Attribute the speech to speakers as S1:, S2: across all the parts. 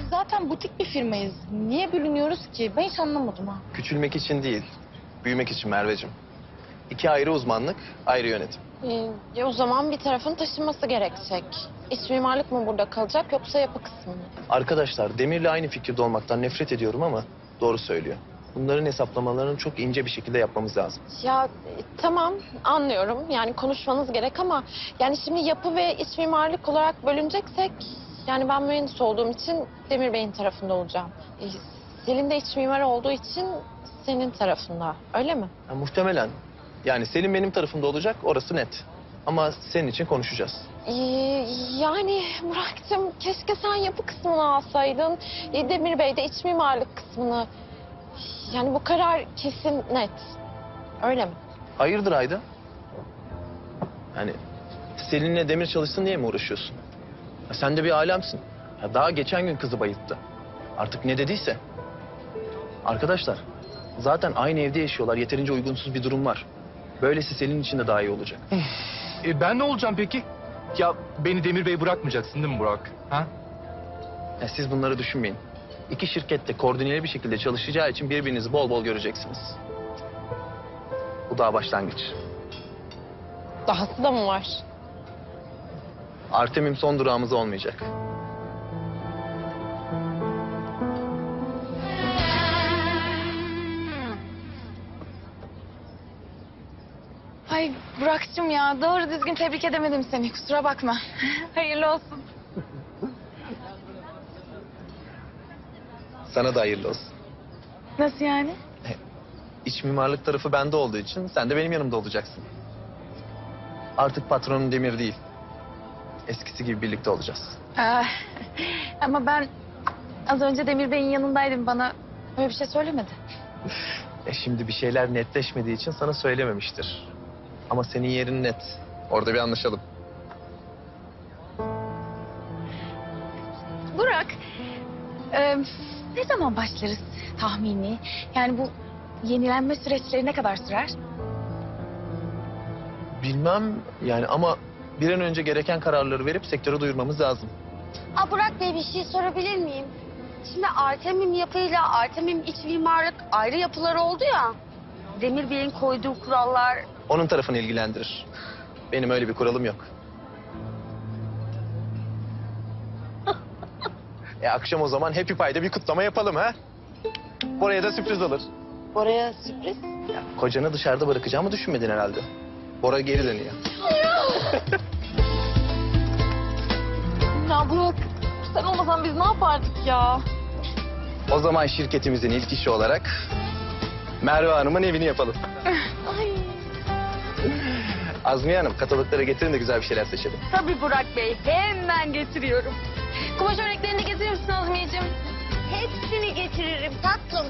S1: zaten butik bir firmayız. Niye bölünüyoruz ki? Ben hiç anlamadım ha.
S2: Küçülmek için değil, büyümek için Merveciğim. İki ayrı uzmanlık, ayrı yönetim.
S3: O zaman bir tarafın taşınması gerekecek. İç mimarlık mı burada kalacak yoksa yapı kısmı mı?
S2: Arkadaşlar, Demir'le aynı fikirde olmaktan nefret ediyorum ama doğru söylüyor. Bunların hesaplamalarını çok ince bir şekilde yapmamız lazım.
S3: Tamam anlıyorum. Yani konuşmanız gerek ama yani şimdi yapı ve iç mimarlık olarak bölüneceksek yani ben mühendis olduğum için Demir Bey'in tarafında olacağım. Selin de iç mimar olduğu için senin tarafında. Öyle mi?
S2: Ya, muhtemelen. Yani Selim benim tarafımda olacak, orası net. Ama senin için konuşacağız.
S3: Yani Burak'cığım keşke sen yapı kısmını alsaydın. Demir Bey de iç mimarlık kısmını. Yani bu karar kesin net. Öyle mi?
S2: Hayırdır Ayda? Yani Selin'le Demir çalışsın diye mi uğraşıyorsun? Ya, sen de bir alemsin. Ya, daha geçen gün kızı bayılttı. Artık ne dediyse. Arkadaşlar, zaten aynı evde yaşıyorlar. Yeterince uygunsuz bir durum var. Böylesi Selin için de daha iyi olacak.
S4: Ben ne olacağım peki? Ya beni Demir Bey bırakmayacaksın değil mi Burak? Ha?
S2: Ya, siz bunları düşünmeyin. İki şirket de koordineli bir şekilde çalışacağı için birbirinizi bol bol göreceksiniz. Bu daha başlangıç.
S3: Dahası da mı var?
S2: Artemim son durağımız olmayacak.
S1: Ay Burak'cığım ya doğru düzgün tebrik edemedim seni. Kusura bakma. Hayırlı olsun.
S2: Sana da hayırlı olsun.
S1: Nasıl yani?
S2: İç mimarlık tarafı bende olduğu için sen de benim yanımda olacaksın. Artık patronun Demir değil. Eskisi gibi birlikte olacağız.
S1: Ama ben az önce Demir Bey'in yanındaydım. Bana öyle bir şey söylemedi.
S2: Şimdi bir şeyler netleşmediği için sana söylememiştir. Ama senin yerin net. Orada bir anlaşalım.
S1: Burak, ne zaman başlarız tahmini? Yani bu yenilenme süreçleri ne kadar sürer?
S2: Bilmem yani ama bir an önce gereken kararları verip sektöre duyurmamız lazım.
S5: Burak Bey bir şey sorabilir miyim? Şimdi Artemim yapıyla Artemim iç mimarlık ayrı yapılar oldu ya. Demir Bey'in koyduğu kurallar...
S2: Onun tarafını ilgilendirir. Benim öyle bir kuralım yok. Akşam o zaman Happy Pie'de bir kutlama yapalım ha? Oraya da sürpriz olur.
S3: Oraya sürpriz.
S2: Kocanı dışarıda bırakacağımı düşünmedin herhalde. Bora geri dönüyor.
S3: Ya Burak sen olmasan biz ne yapardık ya?
S2: O zaman şirketimizin ilk işi olarak Merve Hanım'ın evini yapalım. Azmiye Hanım, kataloglara getirin de güzel bir şeyler seçelim.
S5: Tabii Burak Bey, hemen getiriyorum.
S3: Kumaş örneklerini getirir misin Azmiyeciğim?
S5: Hepsini getiririm tatlım.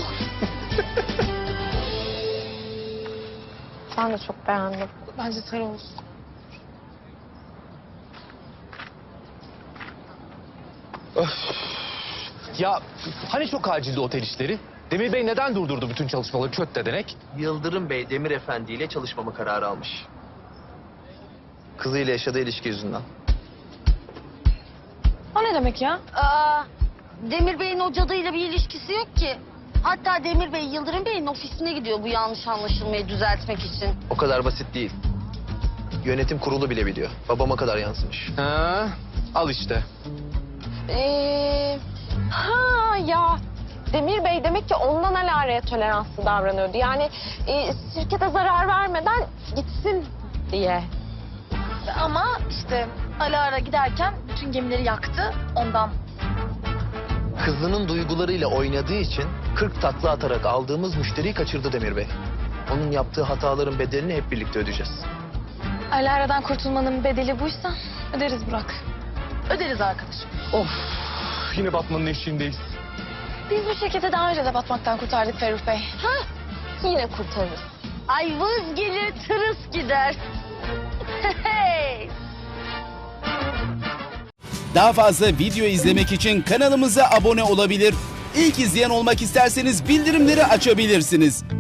S3: Ben de çok beğendim.
S1: Bence sarı olsun.
S4: Ya hani çok acildi otel işleri? Demir Bey neden durdurdu bütün çalışmaları köt dedenek?
S2: Yıldırım Bey Demir Efendi ile çalışmama kararı almış. Kızıyla yaşadığı ilişki yüzünden.
S1: O ne demek ya?
S5: Demir Bey'in o cadıyla bir ilişkisi yok ki. Hatta Demir Bey Yıldırım Bey'in ofisine gidiyor bu yanlış anlaşılmayı düzeltmek için.
S2: O kadar basit değil. Yönetim kurulu bile biliyor. Babama kadar yansımış.
S4: Ha, al işte.
S3: Ya Demir Bey demek ki ondan Alara'ya toleranslı davranıyordu. Yani şirkete zarar vermeden gitsin diye.
S1: Ama işte Alara giderken bütün gemileri yaktı ondan.
S2: Kızının duygularıyla oynadığı için 40 takla atarak aldığımız müşteriyi kaçırdı Demir Bey. Onun yaptığı hataların bedelini hep birlikte ödeyeceğiz.
S1: Alara'dan kurtulmanın bedeli buysa öderiz Burak. Öderiz arkadaşım.
S4: Of, yine batmanın eşiğindeyiz.
S1: Biz bu şirketi daha önce de batmaktan kurtardık Ferruh Bey.
S3: Yine kurtarırız.
S5: Ay vız gelir tırıs gider. Hey!
S6: Daha fazla video izlemek için kanalımıza abone olabilir. İlk izleyen olmak isterseniz bildirimleri açabilirsiniz.